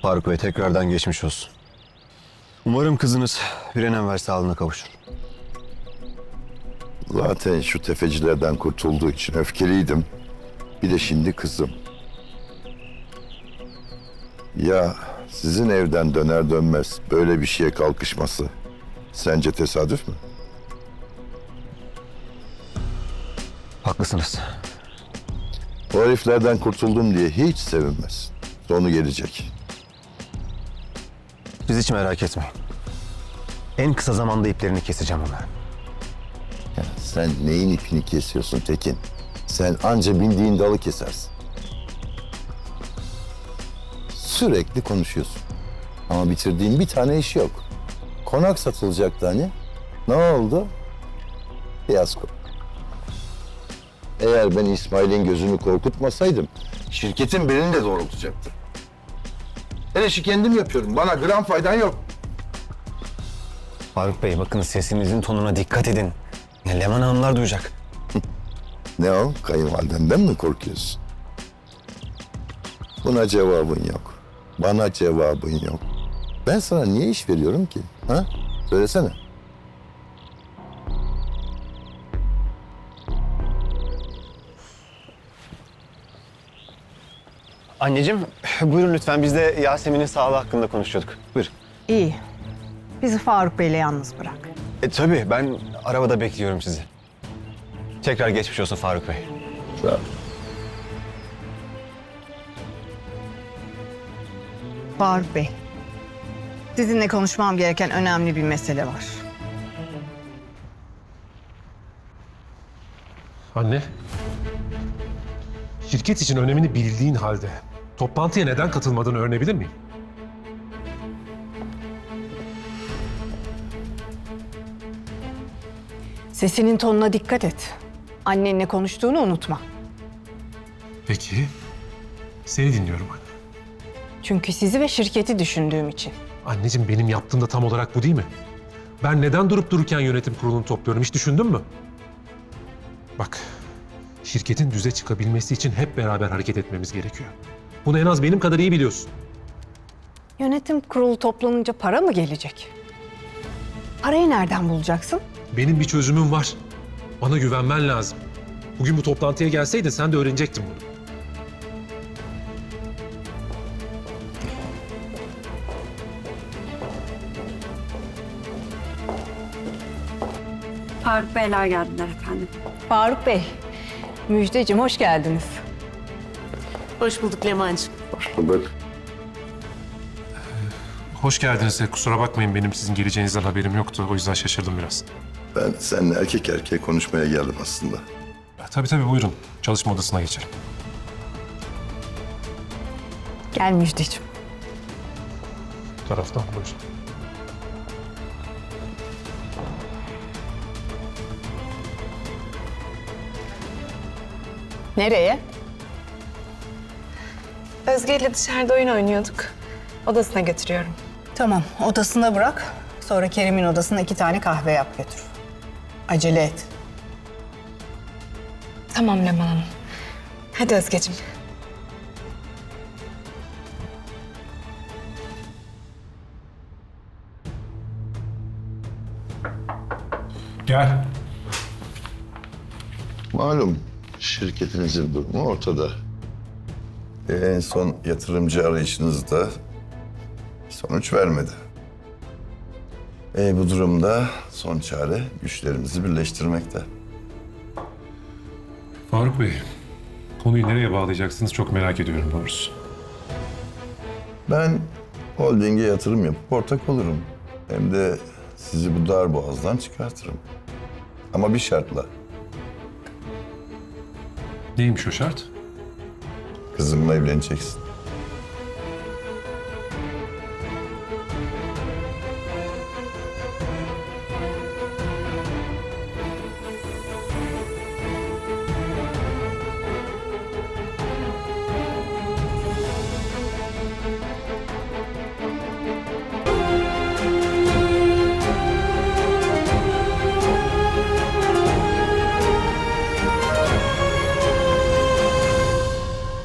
Faruk Bey tekrardan geçmiş olsun. Umarım kızınız bir an evvel sağlığına kavuşur. Zaten şu tefecilerden kurtulduğu için öfkeliydim. Bir de şimdi kızım. Ya sizin evden döner dönmez böyle bir şeye kalkışması sence tesadüf mü? Haklısınız. O heriflerden kurtuldum diye hiç sevinmez. Sonu gelecek. Siz hiç merak etmeyin. En kısa zamanda iplerini keseceğim onların. Ya sen neyin ipini kesiyorsun Tekin? Sen anca bindiğin dalı kesersin. Sürekli konuşuyorsun. Ama bitirdiğin bir tane iş yok. Konak satılacaktı hani. Ne oldu? Fiyasko. Eğer ben İsmail'in gözünü korkutmasaydım şirketin belini de doğrultacaktı. Her işi kendim yapıyorum. Bana gram faydan yok. Faruk Bey bakın sesinizin tonuna dikkat edin. Leman Hanımlar duyacak. Ne o? Kayınvalidenden mi korkuyorsun? Buna cevabın yok. Bana cevabın yok. Ben sana niye iş veriyorum ki? Ha? Söylesene. Anneciğim buyurun lütfen biz de Yasemin'in sağlığı hakkında konuşuyorduk. Buyurun. İyi. Bizi Faruk Bey'le yalnız bırak. Tabii ben arabada bekliyorum sizi. Tekrar geçmiş olsun Faruk Bey. Sağ ol. Faruk Bey, sizinle konuşmam gereken önemli bir mesele var. Anne, şirket için önemini bildiğin halde toplantıya neden katılmadığını öğrenebilir miyim? Sesinin tonuna dikkat et. Annenle konuştuğunu unutma. Peki, seni dinliyorum anne. Çünkü sizi ve şirketi düşündüğüm için. Anneciğim benim yaptığım da tam olarak bu değil mi? Ben neden durup dururken yönetim kurulunu topluyorum hiç düşündün mü? Bak, şirketin düze çıkabilmesi için hep beraber hareket etmemiz gerekiyor. Bunu en az benim kadar iyi biliyorsun. Yönetim kurulu toplanınca para mı gelecek? Parayı nereden bulacaksın? Benim bir çözümüm var. Bana güvenmen lazım. Bugün bu toplantıya gelseydin sen de öğrenecektin bunu. Faruk Beyler geldiler efendim. Faruk Bey, Müjdeciğim hoş geldiniz. Hoş bulduk Leman'cığım. Hoş bulduk. Hoş geldiniz. Kusura bakmayın benim sizin geleceğinizden haberim yoktu. O yüzden şaşırdım biraz. Ben seninle erkek erkeğe konuşmaya geldim aslında. Tabii buyurun. Çalışma odasına geçelim. Gel Müjdeciğim. Bu taraftan buyurun. Nereye? Özge ile dışarıda oyun oynuyorduk. Odasına götürüyorum. Tamam, odasına bırak. Sonra Kerim'in odasına 2 tane kahve yap götür. Acele et. Tamam Leman Hanım. Hadi Özgeciğim. Gel. Malum şirketinizin durumu ortada. En son yatırımcı arayışınızda sonuç vermedi. Bu durumda son çare güçlerimizi birleştirmekte. Faruk Bey, konuyu nereye bağlayacaksınız çok merak ediyorum doğrusu. Ben holdinge yatırım yapıp ortak olurum. Hem de sizi bu dar boğazdan çıkartırım. Ama bir şartla. Neymiş o şart? Kızımla evleneceksin.